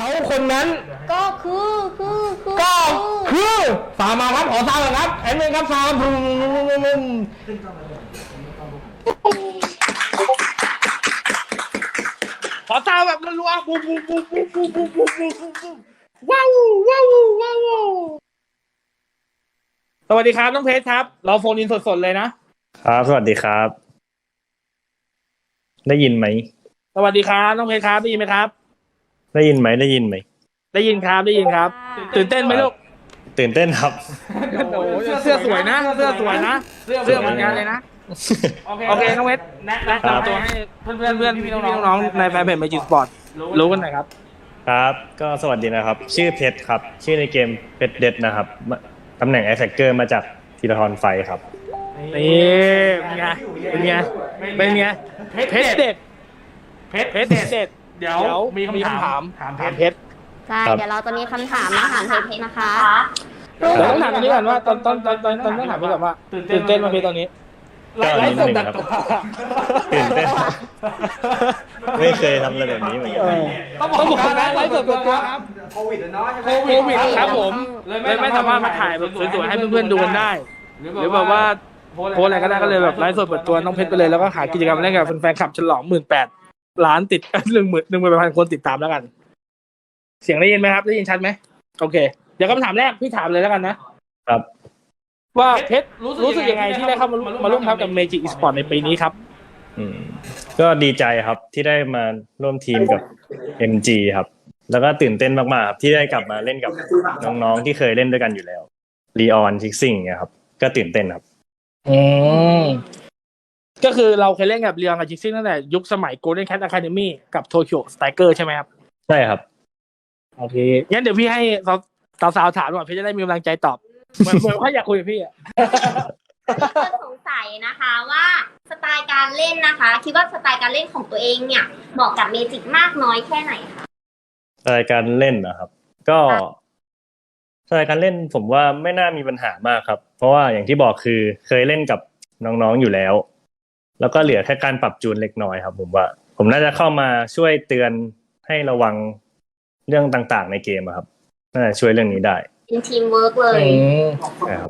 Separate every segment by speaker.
Speaker 1: เขาคนนั้น
Speaker 2: ก็
Speaker 1: คือสามาครับขอทราบเลยครับแอนเมนครับทราบขอทราบแบบรัวๆบูบูบูบูบูบูบูบูว้าวว้าวว้าวสวัสดีครับน้องเพชรครับเราโฟนอินสดๆเลยนะครับ
Speaker 3: สวัสดีครับ ได้ยินไหม
Speaker 1: สวัสดีครับน้องเพชรครับได้ยินไหมครับ
Speaker 3: ได้ยินไหมได้ยินไหม
Speaker 1: ได้ยินครับได้ยินครับตื่นเต้นไหมลูก
Speaker 3: ตื่นเต้นครับ
Speaker 1: โอ้โหเสื้อสวยนะเสื้อสวยนะเสื้อเหมือนกันเลยนะโอเคน้องเพชรแนะนำตัวให้เพื่อนพี่น้องในแฟนเพจ Magic Sport รู้กันหน่อยครับ
Speaker 3: ครับก็สวัสดีนะครับชื่อเพชรครับชื่อในเกมเพชรเด็ดนะครับตำแหน่งแอทแทคเกอร์มาจากธีรทรไฟครับ
Speaker 1: นี่เป็นไงเพชรเด็ดเดี๋ยวมีคำถามเพชร
Speaker 2: ใช่เดี๋ยวเราจะมีคำถามมาถามเพชรนะคะ
Speaker 1: เดี๋ยวต้องถามตรงนี้ก่อนว่าตอนต้องถามไปก่อนว่าตื่นเต้นมาเพชรตอนนี้ไลฟ์สดแบบ
Speaker 3: ตื่นเต้นไม่เคยทำอะไรแบบนี้เหมือนกัน
Speaker 1: ต้องบอกนะไลฟ์สดตัวครับโควิดครับผมเลยไม่สามารถมาถ่ายแบบสวยๆให้เพื่อนๆดูกันได้หรือแบบว่าโพสอะไรก็ได้ก็เลยแบบไลฟ์สดเปิดตัวน้องเพชรไปเลยแล้วก็หากิจกรรมเล่นกับแฟนคลับฉลอง18,000 ล้านติด1,000 คนติดตามแล้วกันเสียงได้ยินไหมครับได้ยินชัดไหมโอเคเดี๋ยวคำถามแรกพี่ถามเลยแล้วกันนะครับว่าเพชรรู้สึกยังไงที่ได้เข้ามาร่วมทัพกับ Magic Esport ในปีนี้ครับ
Speaker 3: ก็ดีใจครับที่ได้มาร่วมทีมกับ MG ครับแล้วก็ตื่นเต้นมากๆครับที่ได้กลับมาเล่นกับน้องๆที่เคยเล่นด้วยกันอยู่แล้วลีออนทิกซิ่งเนี่ยครับก็ตื่นเต้นครับ
Speaker 1: ก็คือเราเคยเล่นกับเรียงกับจิกซิ่งตั้งแต่ยุคสมัย Golden Cat Academy กับโตเกียวสไตรเกอร์ใช่ไหมครับ
Speaker 3: ใช่ครับ
Speaker 1: โอเคงั้นเดี๋ยวพี่ให้สาวๆถามก่อนพี่จะได้มีกำลังใจตอบเหมือนเขาอยากคุยกับพี่อ่ะ
Speaker 2: สงสัยนะคะว่าสไตล์การเล่นนะคะคิดว่าสไตล์การเล่นของตัวเองเนี่ยเหมาะกับเมจิกมากน้อยแค่ไหนคะ
Speaker 3: สไตล์การเล่นนะครับก็สไตล์การเล่นผมว่าไม่น่ามีปัญหามากครับเพราะว่าอย่างที่บอกคือเคยเล่นกับน้องๆอยู่แล้วแล้วก็เหลือแค่การปรับจูนเล็กน้อยครับผมว่าผมน่าจะเข้ามาช่วยเตือนให้ระวังเรื่องต่างๆในเกมครับน่าจะช่วยเรื่องนี้ได้
Speaker 2: เป็นทีมเวิร์กเลย
Speaker 3: ใช่ครับ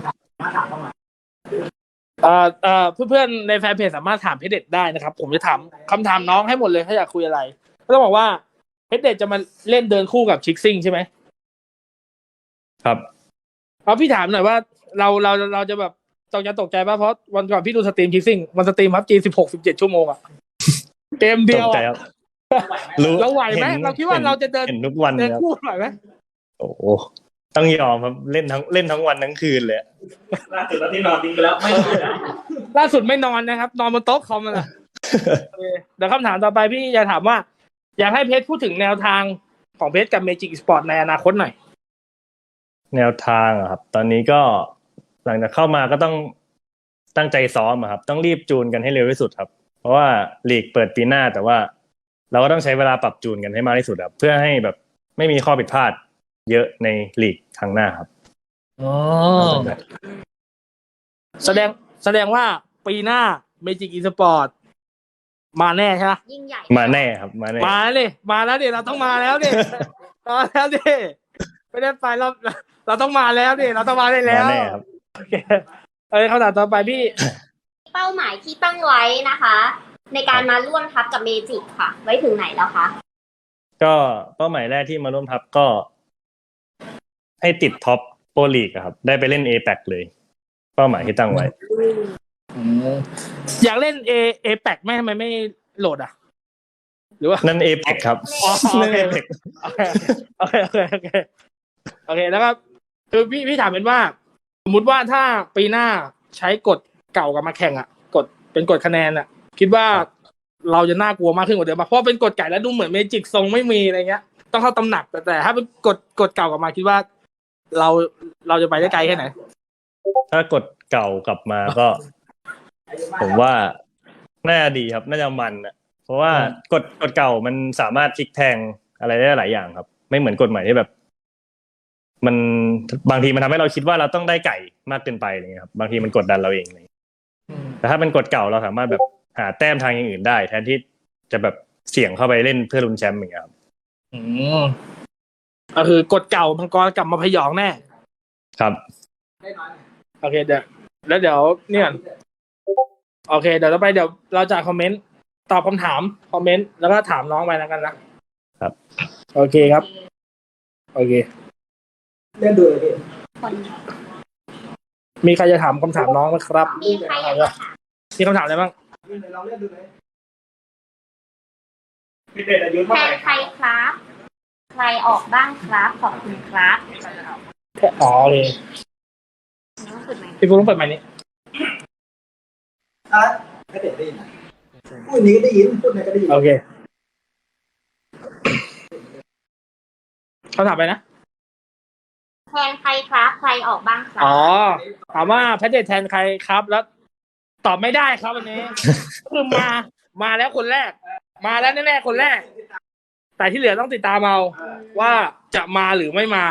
Speaker 1: เพื่อนๆในแฟนเพจสามารถถามเพชรเด็ดได้นะครับผมจะถามคำถามน้องให้หมดเลยถ้าอยากคุยอะไรก็ต้องบอกว่าเพชรเด็ดจะมาเล่นเดินคู่กับชิกซิ่งใช่ไหม
Speaker 3: ครับ
Speaker 1: เอาพี่ถามหน่อยว่าเราจะแบบตกใจป่ะเพราะวันก่อนพี่ดูสตรีมชิกซิ่งมันสตรีมครับจี17 ชั่วโมงอะเกมเดียวเราไหวไหมเราคิดว่าเราจะเดิน
Speaker 3: ทุกวัน
Speaker 1: เดินคู่ไหวไหม
Speaker 3: โอ้ต้องยอมครับเล่นทั้งวันทั้งคืนเลย
Speaker 1: ล่าสุดที่นอนทิ้งไปแล้วไม่ล่าสุดไม่นอนนะครับนอนบนโต๊ะคอมมันแหละเดี๋ยวคำถามต่อไปพี่จะถามว่าอยากให้เพชรพูดถึงแนวทางของเพชรกับ Magic Sport ในอนาคตหน่อย
Speaker 3: แนวทางครับตอนนี้ก็หลังจากเข้ามาก็ต้องตั้งใจซ้อมครับต้องรีบจูนกันให้เร็วที่สุดครับเพราะว่าลีกเปิดปีหน้าแต่ว่าเราก็ต้องใช้เวลาปรับจูนกันให้มากที่สุดครับเพื่อให้แบบไม่มีข้อผิดพลาดเยอะในลีกครั้งหน้าครับ
Speaker 1: แสดงว่าปีหน้า Magic Esport มาแน่ใช่ไหม
Speaker 2: ยิ่งใหญ่
Speaker 3: มาแน่ครับมา
Speaker 1: แล้วดิเราต้องมาแล้วดิไม่ได้ไปเราต้องมาแล้วดิเราต้องมาได้แล้ว
Speaker 3: แน่ครับ
Speaker 1: โอเคคำถามต่อไปพี่
Speaker 2: เป้าหมายที่ตั้งไว้นะคะในการมาร่วมทัพกับเมจิกค่ะไว้ถึงไหนแล้วคะ
Speaker 3: ก็เป้าหมายแรกที่มาร่วมทัพก็ให้ติดท็อปโปรลีกครับได้ไปเล่น APAC เลยเป้าหมายที่ตั้งไว้
Speaker 1: อยากเล่น APAC ไหมทำไมไม่โหลดอ่ะหรือว่า
Speaker 3: นั่น APAC ครับนั่น APAC
Speaker 1: โอเคแล้วก็คือพี่ถามเป็นว่าสมมุติว่าถ้าปีหน้าใช้กฎเก่ากลับมาแข่งอ่ะเป็นกฎคะแนนอ่ะคิดว่าเราจะน่ากลัวมากขึ้นกว่าเดิมเพราะเป็นกฎไก่แล้วดูเหมือนเมจิกทรงไม่มีอะไรเงี้ยต้องเข้าตำหนักแต่ถ้าเป็นกฎเก่ากลับมาคิดว่าเราจะไปได้ไกลแค่ไหน
Speaker 3: ถ้ากฎเก่ากลับมาก็ผมว่าน่าจะดีครับน่าจะมันอ่ะเพราะว่ากฎเก่ามันสามารถพลิกแพลงอะไรได้หลายอย่างครับไม่เหมือนกฎใหม่ที่แบบมันบางทีมันทำให้เราคิดว่าเราต้องได้ไก่มากเกินไปอะไรเงี้ยครับบางทีมันกดดันเราเองเลยแต่ถ้าเป็นกฎเก่าเราสามารถแบบหาแต้มทางอย่างอื่นได้แทนที่จะแบบเสี่ยงเข้าไปเล่นเพื่อลุ้นแชมป์อย่างเงี้ยครับ
Speaker 1: ก็คือกฎเก่ามังกรกลับมาพยองแน่
Speaker 3: ครับ
Speaker 1: โอเคเดี๋ยวแล้วเดี๋ยวเนี่ยโอเคเดี๋ยวเราจะคอมเมนต์ตอบคำถามคอมเมนต์แล้วก็ถามน้องไปแล้วกันนะครับ โอเคครับ โอเค
Speaker 4: เล่นดูเลยพี่
Speaker 2: คน
Speaker 1: มีใครจะถามคำถามน้องไหมครับ
Speaker 2: มีใครอยากจะถาม
Speaker 1: มีคำถามอะไรบ้าง
Speaker 4: เราเล่นดูเลยพี่เดชอายุ
Speaker 2: แท
Speaker 4: เท่าไหร่
Speaker 2: นใครครับ ใครออกบ้างครับ ขอบคุณครับ
Speaker 1: อ๋อโอเค
Speaker 2: น้องสุดไหม
Speaker 1: พี่ฟูต้องเปิดไมค์นี้
Speaker 4: อ่ะพี่เดชได้ยินนะพูดนี้ก็ได้ยินพูดไหนก็ได้ยิน
Speaker 1: โอเคเขาถามไปนะ
Speaker 2: แทนใครครับ ใครออกบ้างครับ
Speaker 1: อ๋อถามว่าแพทเดทแทนใครครับ แล้วตอบไม่ได้ครับวันนี้ คือมาแล้วคนแรก มาแล้วแน่ๆคนแรก แต่ที่เหลือต้องติดตามเอาว่าจะมาหรือไม่มา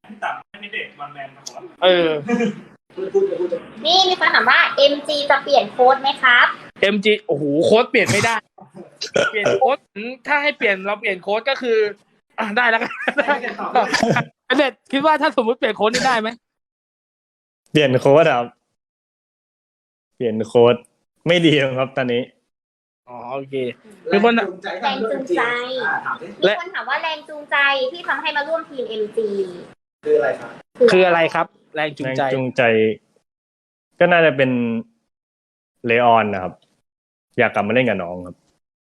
Speaker 1: เออ
Speaker 2: นี่มีคนถามว่า MG จะเปลี่ยนโค้ดไหมครับ
Speaker 1: MG โอ้โหโค้ดเปลี่ยนไม่ได้ เปลี่ยนโค้ดถ้าให้เปลี่ยนเราเปลี่ยนโค้ดก็คือได้แล้วกันเด็ดคิดว่าถ้าสมมติเปลี่ยนโค้ดนี่ได้ไหม
Speaker 3: เปลี่ยนโค้ดครับเปลี่ยนโค้ดไม่ดีครับตอนนี้
Speaker 1: อ๋อโอเคมีคน
Speaker 2: แรงจูงใจ มีคนถามว่าแรงจูงใจที่ทำให้มาร่วมทีม MG
Speaker 4: คืออะไรครับ
Speaker 1: คืออะไรครับ แรงจูง
Speaker 3: แรง
Speaker 1: ใจ
Speaker 3: จูงใจ ก็น่าจะเป็นเลออนนะครับ อยากกลับมาเล่นกับน้องครับ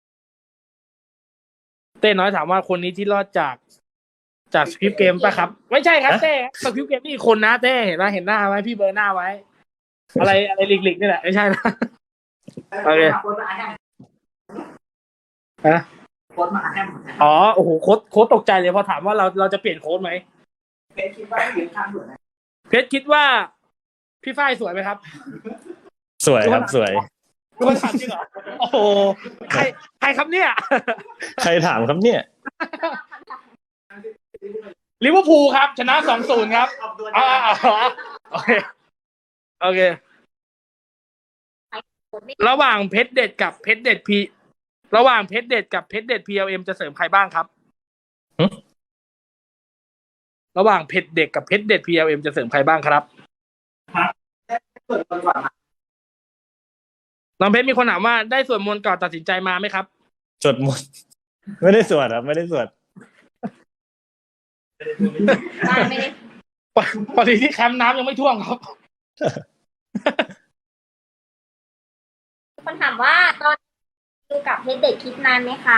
Speaker 1: เต้น้อยถามว่าคนนี้ที่รอดจากสคริปต์เกมป่ะครับ ไม่ใช่ครับ
Speaker 3: ฮะ
Speaker 1: เต้สคริปต์เกมนี่อีกคนนะเต้เห็นไหมเห็นหน้าไว้พี่เบอร์หน้าไว้ อะไรหลิกๆนี่แหละไม่ใช่นะ โอเค
Speaker 4: โค้ดมาแฮม
Speaker 1: ฮะ
Speaker 4: โค้ดมาแฮม
Speaker 1: อ๋อโอ้โหโค้ดตกใจเลยพอถามว่าเราจะเปลี่ยนโค้ดไหม
Speaker 4: เป็นคิดว่ายืนข้างเหมือน
Speaker 1: เพชรคิดว่าพี่ฝ้ายสวยไหมครับ
Speaker 3: สวยครับสวย
Speaker 1: ทุกคนถามจริงเหรอโอ้โหใครครับเนี่ย
Speaker 3: ใครถามครับเนี่ย
Speaker 1: ลิเวอร์พูลครับ ชนะ 2-0 ครับ
Speaker 4: ออกตัว
Speaker 1: อ๋อโอเคโอเค ระหว่างเพชรเด็ดกับเพชรเด็ดพีระหว่างเพชรเด็ดกับเพชรเด็ด PLM จะเสริมใครบ้างครับ
Speaker 3: หึ
Speaker 1: ระหว่างเพชรเด็ดกับเพชรเด็ด PLM จะเสริมใครบ้างครับ
Speaker 4: เปิดก่อนมา
Speaker 1: น้องเพชรมีคนถามว่าได้ส่วนมนต์ก่อนตัดสินใจมาไหมครับ
Speaker 3: สวดมนต์ไม่ได้สวดครับ ไม่ได้สวด
Speaker 2: ไม่ได้
Speaker 1: พอดีที่แคมป์น้ำยังไม่ท่วมครับ
Speaker 2: คนถามว่าตอนดูกับเพชรเด็กคิดนานไหมคะ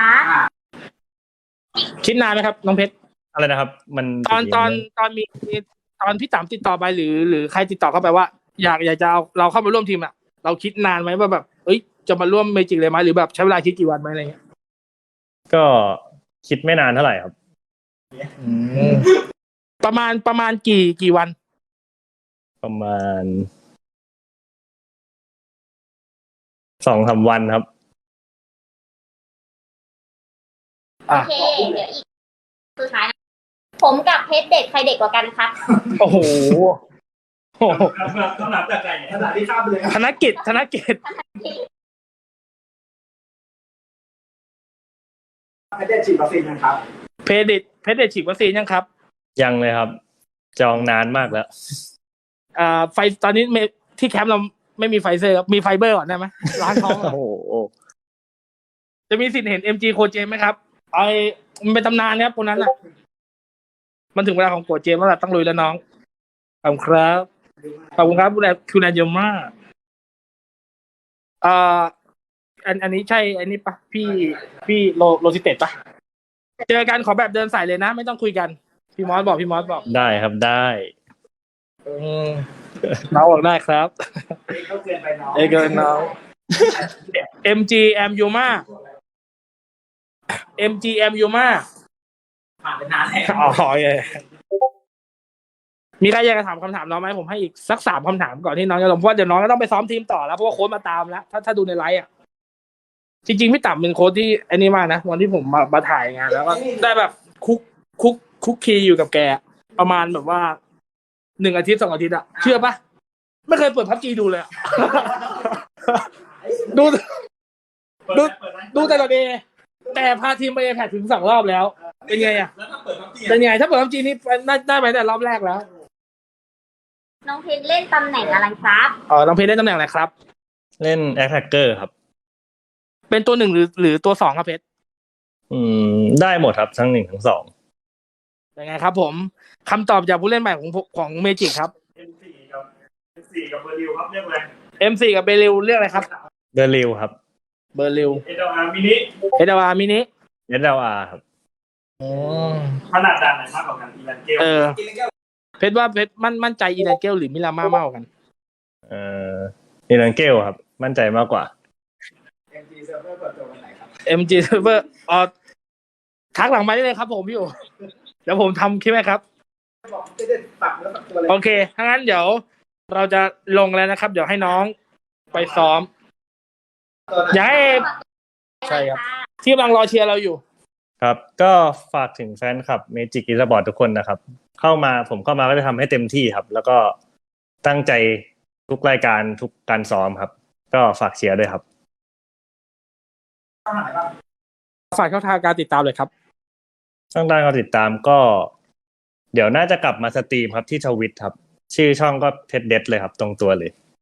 Speaker 1: คิดนานไหมครับ น้องเพชร
Speaker 3: อะไรนะครับ มัน
Speaker 1: ตอนมีตอนพี่ต๋ำติดต่อไปหรือใครติดต่อเข้าไปว่า อยากจะเอาเราเข้ามาร่วมทีมอ่ะเราคิดนานไหมว่าแบบเอ้ยจะมาร่วมเมจิกเลยไหมหรือแบบใช้เวลาคิดกี่วันไหมอะไรเงี้ย
Speaker 3: ก็คิดไม่นานเท่าไหร่ครับ
Speaker 1: ประมาณกี่วัน
Speaker 3: ประมาณ2-3 วันครับ
Speaker 2: โอเค เดี๋ยวอีกสุดท้ายนะผมกับเพชรเด็กใครเด็กกว่ากันครับ
Speaker 1: โอ้โห
Speaker 4: ต้องนับจากไหนขนาดที่ข้ามไปเลย
Speaker 1: ธนกิจ
Speaker 4: ไม่ได้ฉีดวัคซีนนะครับ
Speaker 1: เพชรเด็ดฉีดวัคซีนยังครับ
Speaker 3: ยังเลยครับ จองนานมากแล้ว
Speaker 1: ตอนนี้ที่แคมป์เราไม่มีไฟเซอร์ครับมีไฟเบอร์ก่อนได้ไหมล้างท้อง
Speaker 3: โอ้โห
Speaker 1: จะมีสิทธิ์เห็น MG โคเจมไหมครับมันเป็นตำนานครับคนนั้นอ่ะ มันถึงเวลาของโคเจมแล้วล่ะต้องลุยแล้วน้องขอบคุณครับขอบคุณครับคุณแอนเยมมาอันนี้ใช่อันนี้ปะพี่โลซิเต็ดปะเจอกันขอแบบเดินสายเลยนะ ไม่ต้องคุยกันพี่มอสบอก
Speaker 3: ได้ครับได้
Speaker 1: น้องบอกได้ครับ
Speaker 4: ก็เกินไปน้อง
Speaker 1: เกินน้อง MG M Yuma MGM Yuma
Speaker 4: ผ่านไปนานแล้ว
Speaker 1: อ๋อโอเคมีใครอยากจะถามคำถามน้องไหมผมให้อีกสัก3คำถามก่อนที่น้องจะลงเพราะว่าเดี๋ยวน้องก็ต้องไปซ้อมทีมต่อแล้วเพราะว่าโค้ชมาตามแล้วถ้าดูในไลฟ์อ่ะจริงๆพี่ต่ำเป็นโค้ชที่อันนี้มากนะวันที่ผมมาถ่ายงานแล้วก็ได้แบบคุกคีอยู่กับแกประมาณแบบว่า1 อาทิตย์ 2 อาทิตย์อะเชื่อปะไม่เคยเปิดพับจีดูเลยอะ ดูแต่ละเดย์แต่พาทีมไปแพทถึง2 รอบแล้วเป็นไงอ่ะ
Speaker 4: แล้วถ้าเปิดพับจี
Speaker 1: เป็นไงถ้าเปิด PUBG นี่ได้ไปแต่รอบแรกแล้ว
Speaker 2: น้องเพชรเล่นตำแหน่งอะไรครับ
Speaker 1: อ๋อน้องเพชรเล่นตำแหน่งอะไรครับ
Speaker 3: เล่นแอคแท็กเกอร์ครับ
Speaker 1: เป็นตัวหนึ่งหรือตัวสองครับเพชร
Speaker 3: ได้หมดครับทั้งหนึ่งทั้งสอง
Speaker 1: เป็นไงครับผมคำตอบจากผู้เล่นใหม่ของเมจิกครับ
Speaker 3: M4 กับ M4 กับเบอร์ลิวครับเรียกอะไร
Speaker 1: M4 กับเบลิวเรียกอะไรครับ
Speaker 3: เบอร์ลิวครับ
Speaker 1: เบอร์ลิว
Speaker 3: SLR มินิ
Speaker 1: SLR มินิ
Speaker 3: SLR ครับ
Speaker 1: อ๋อ
Speaker 3: ขนาดด่านไหนมากกว่ากันอีแลนเกล
Speaker 4: กินแล้ว
Speaker 1: เพชรว่าเพชรมั่นใจอีแลนเกลหรือมิลามามากกว่ากัน
Speaker 3: อีแลนเกลครับ มั่นใจมากกว่า
Speaker 4: MG Server เปิดตัววันไหนครับ
Speaker 1: MG Server ทักหลังมาได้เลยครับผมพี่โอเดี๋ยวผมทำคลิปให้ครับ
Speaker 4: บอกจะได้ปักแล้วปักตัวเลย
Speaker 1: โอเคถ้างั้นเดี๋ยวเราจะลงแล้วนะครับ เดี๋ยวให้น้องไปซ้อม
Speaker 4: ตัวไหน
Speaker 1: อย่าให้ ใช่ครับ ที่กำลังรอเชียร์เราอยู่
Speaker 3: ครับ ก็ฝากถึงแฟนคลับ Magic Esport ทุกคนนะครับ ผมเข้ามาก็จะทำให้เต็มที่ครับ แล้วก็ตั้งใจทุกรายการทุกการซ้อมครับ ก็ฝากเชียร์ด้วยครับ
Speaker 4: ช่องไหนบ้าง
Speaker 1: ฝากช่องทางการติดตามเลยครับ
Speaker 3: ช่องทางการติดตามก็ เดี๋ยวน่าจะกลับมาสตรีมครับที่ทวิตครับ ชื่อช่องก็เพชรเด็ดเลยครับ ตรงตัวเลย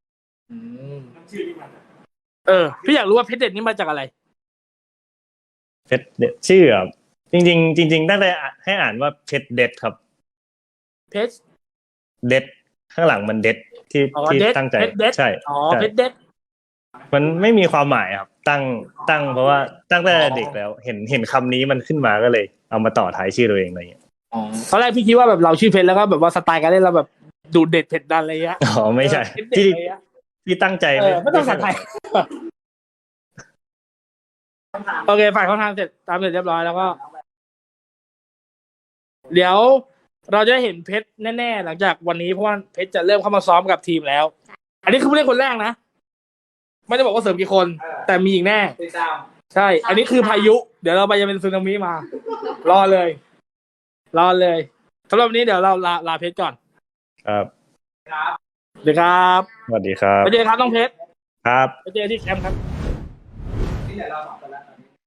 Speaker 1: พี่อยากรู้ว่าเพชรเด็ดนี่มาจากอะไร
Speaker 3: เพชรเด็ดชื่อครับจริงๆตั้งแต่ให้อ่านว่าเพชรเด็ดครับ
Speaker 1: เพชร
Speaker 3: เด็ดข้างหลังมันเด็ดที่
Speaker 1: อ๋อ
Speaker 3: ที่
Speaker 1: เด็ด
Speaker 3: ตั้งใจ
Speaker 1: เพชรเด็ด
Speaker 3: ใช่
Speaker 1: อ๋อ
Speaker 3: ใช่
Speaker 1: เพชรเด็ด
Speaker 3: มันไม่มีความหมายครับ ตั้งเพราะว่าตั้งแต่เด็กแล้ว เห็นคำนี้มันขึ้นมาก็เลย เอามาต่อท้ายชื่อตัวเองอะไรอย่างเงี้ย
Speaker 1: ตอนแรกพี่คิดว่าแบบเราชื่อเพชรแล้วก็แบบว่าสไตล์การเล่นเราแบบดูเด็ดเผ็ดดันอะไรเงี้ย
Speaker 3: อ๋อไม่ใช่
Speaker 1: เพชรเด็ด
Speaker 3: ที่
Speaker 1: อะไรเงี้ย
Speaker 3: ที่ตั้งใจ
Speaker 1: ไม่ต้องภาษาไทย โอเคฝ่ายเขาทางเสร็จตามเสร็จเรียบร้อยแล้วก็ เดี๋ยวเราจะได้เห็นเพชรแน่ๆหลังจากวันนี้เพราะว่าเพชรจะเริ่มเข้ามาซ้อมกับทีมแล้ว อันนี้คือผู้เล่นคนแรกนะไม่ได้บอกว่าเสริมกี่คน แต่มีอีกแน่
Speaker 4: ติดตาม
Speaker 1: ใช่ อันนี้คือพายุ เดี๋ยวเราไปจะเป็นสึนามิมา รอเลยสำหรับวันนี้เดี๋ยวเราลาเพชรก่อน
Speaker 3: ครับ
Speaker 4: ครับ
Speaker 1: เดี๋ยวครับ
Speaker 3: สวัสดีครับ
Speaker 1: ไปเจอครับน้องเพชร
Speaker 3: ครับ
Speaker 1: ไปเจอที่แคมป์ครับ
Speaker 4: ที่ไหนเราสองคน